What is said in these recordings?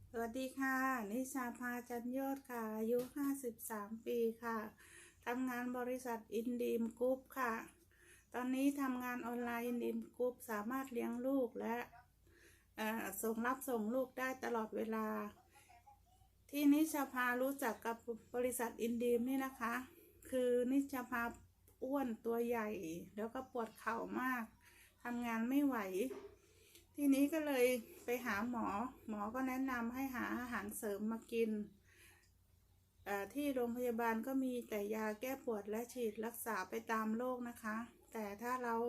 สวัสดีค่ะนิชาภาจันยอดค่ะอายุ53 ปีค่ะทำงานบริษัทอินดีมกรุ๊ปค่ะตอนนี้ทำงานออนไลน์อินดีมกรุ๊ปสามารถเลี้ยงลูกและส่งลูกได้ตลอดเวลาที่นิชาภารู้จักกับบริษัทอินดีมนี่นะคะคือนิชาภาอ้วนตัวใหญ่แล้วก็ปวดเข่ามากทำงานไม่ไหวทีนี้ก็เลยไปหาหมอก็แนะนำให้หาอาหารเสริมมากินที่โรงพยาบาลก็มีแต่ยาแก้ปวดและฉีดรักษาไปตามโรคนะคะแต่ถ้าเรา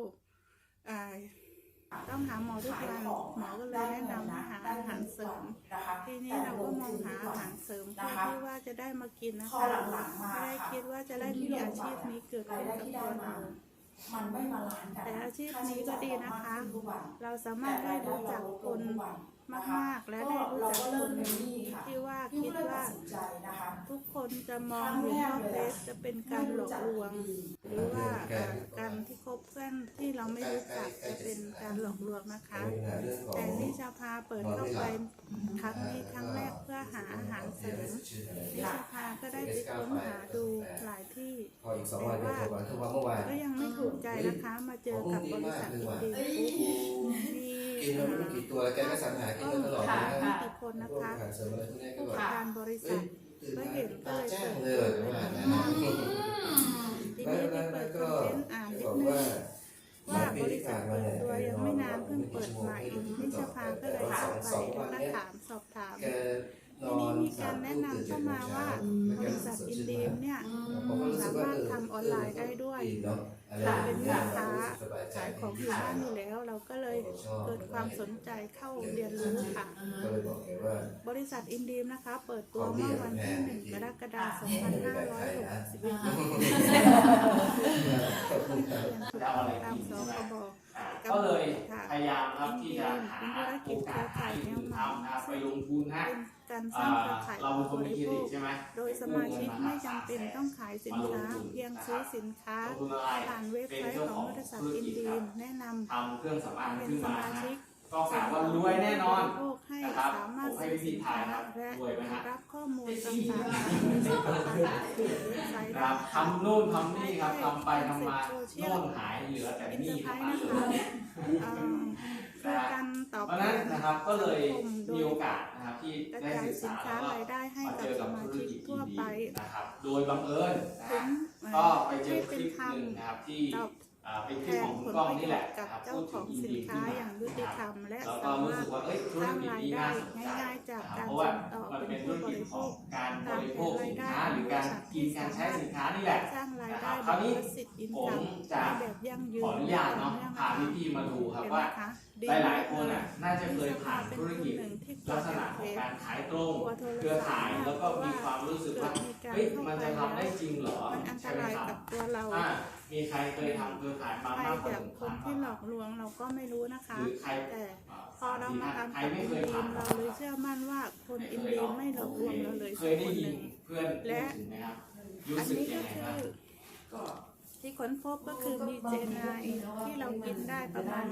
ต้องหาหมอทุกวันหมอก็เลยแนะนำให้หาอาหารเสริมทีนี้เราก็มองหาอาหารเสริมเพื่อที่ว่าจะได้มากินนะคะไม่ได้คิดว่าจะได้มีอาชีพนี้เกิดขึ้นกับตัวเราแต่อาชีพนี้ก็ดีนะคะเราสามารถได้รู้จักคนมากๆและได้รู้จักคนที่ว่าคิดว่าทุกคนจะมองเห็นว่าเฟซจะเป็นการหลอกลวงหรือว่าการที่คบเพื่อนที่เราไม่รู้จักจะเป็นการหลอกลวงนะคะแต่นิชาพาเปิดเข้าไปครั้งแรกเพื่อหาอาหารเสริมนิชาพาก็ได้ไปค้นหาดูหลายที่แต่ว่าก็ยังไม่ถูกใจนะคะมาเจอกับบริษัทอินดีกินมันไม่กี่ตัวแล้วแกก็สรรหากินมาตลอดนะมีกี่คนนะคะผู้ประกอบการบริษัทก็เห็นก็เลยเปิดทีนี้ที่เปิดคอนเทนต์อ่านนิดนึงว่าบริษัทเปิดตัวยังไม่นานเพิ่งเปิดใหม่นิชภาก็เลยเข้าไปแล้วก็สอบถามทีนี้มีการแนะนำเข้ามาว่าบริษัทอินดีมเนี่ยสามารถทำออนไลน์ได้ด้วยเป็นแม่ค้าขายของอยู่บ้านอยู่แล้วเราก็เลยเกิดความสนใจเข้าเรียนรู้ค่ะบริษัทอินดีมนะคะเปิดตัวเมื่อวันที่1 กรกฎาคม 2561ตามสคบก็เลยพยายามครับที่จะหาโอกาสให้ทำไปลงทุนฮะการสร้างเครือข่ายเราเป็นคนมีเครดิตใช่ไหมโดยสมาชิกไม่จำเป็นต้องขายสินค้าเพียงซื้อสินค้าผ่านเว็บไซต์ของบริษัทอินดีมแนะนำทำเครื่องสำอางเป็นขึ้นสมามาชิกก็กะว่ารวยแน่นอนนะครับสามารถซื้อสินค้าและรับข้อมูลต่างๆครับทำนู่นทำนี่ครับทำไปทำมาโน่นหายเหลือแต่นี่ครับคือการตอบเพราะนั้นนะครับก็เลยมีโอกาสนะครับที่ได้ศึกษาและมาเจอกับธุรกิจทั่วไปนะครับโดยบังเอิญก็ไปเจอคลิปหนึ่งนะครับที่เป็นคลิปของคุณก้องนี่แหละกับเจ้าของสินค้าอย่างยุติธรรมและสามารถสร้างรายได้ง่ายๆจากการส่งต่อเป็นผู้บริโภคการบริโภคสินค้าหรือการกินการใช้สินค้านี่แหละสร้างรายได้คราวนี้ผมจะขออนุญาตเนาะพาพี่ๆมาดูครับว่าหลายๆคนน่าจะเคยผ่านธุรกิจลักษณะของการขายตรงเครือข่ายแล้วก็มีความรู้สึกว่าเฮ้ยมันจะทำได้จริงเหรอใช่ไหมครับมีใครเคยทำเครือข่ายมามากกว่าคนที่หลอกลวงเราก็ไม่รู้นะคะแต่พอเรามาทำกับอินดีมเราเลยเชื่อมั่นว่าคนอินดีมไม่หลอกลวงเราเลยสักคนหนึ่งและอันนี้ก็คือที่ค้นพบก็คือมีเจนไนที่เรากินได้ประมาณ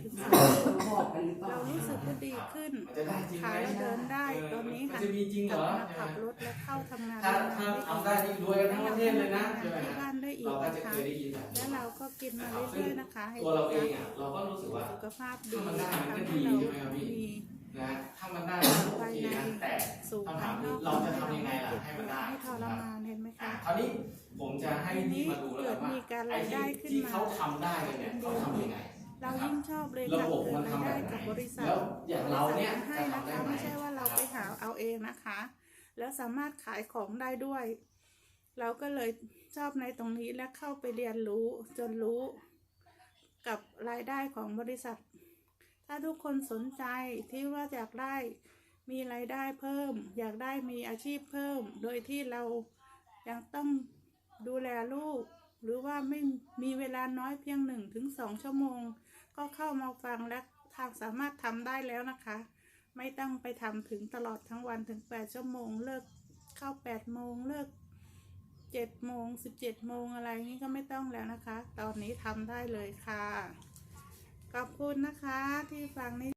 1-3 เรารู้สึกว่าดีขึ้นขาเราเดินได้ตอนนี้ค่ะกลับมาขับรถและเข้าทำงานถ้าทำได้นี่รวยกันทั้งประเทศเลยนะที่บ้านได้อีกนะคะและเราก็กินมาเรื่อยๆนะคะให้ตัวเราเองเราก็รู้สึกว่าสุขภาพดีมันได้มันก็ดีใช่ไหมครับพี่นะถ้ามันได้โอเคนะแต่คำถามคือเราจะทำยังไงล่ะให้มันได้ทรมานเห็นไหมคะคราวนี้ผมจะให้นี่มาดูแล้วว่าไอ้ที่เขาทำได้กันเนี่ยเขาทำยังไงเรายิ่งชอบเลยระบบมันทำได้กับบริษัทแล้วอย่างเราเนี่ยให้นะคะไม่ใช่ว่าเราไปหาเอาเองนะคะแล้วสามารถขายของได้ด้วยเราก็เลยชอบในตรงนี้และเข้าไปเรียนรู้จนรู้กับรายได้ของบริษัทถ้าทุกคนสนใจที่ว่าอยากได้มีรายได้เพิ่มอยากได้มีอาชีพเพิ่มโดยที่เรายังต้องดูแลลูกหรือว่าไม่มีเวลาน้อยเพียง1-2 ชั่วโมงก็เข้ามาฟังและสามารถทำได้แล้วนะคะไม่ต้องไปทำถึงตลอดทั้งวันถึง8 ชั่วโมงเลิกเข้า8 โมงเลิก7 โมง17 โมงอะไรนี้ก็ไม่ต้องแล้วนะคะตอนนี้ทำได้เลยค่ะขอบคุณนะคะที่ฟังนิ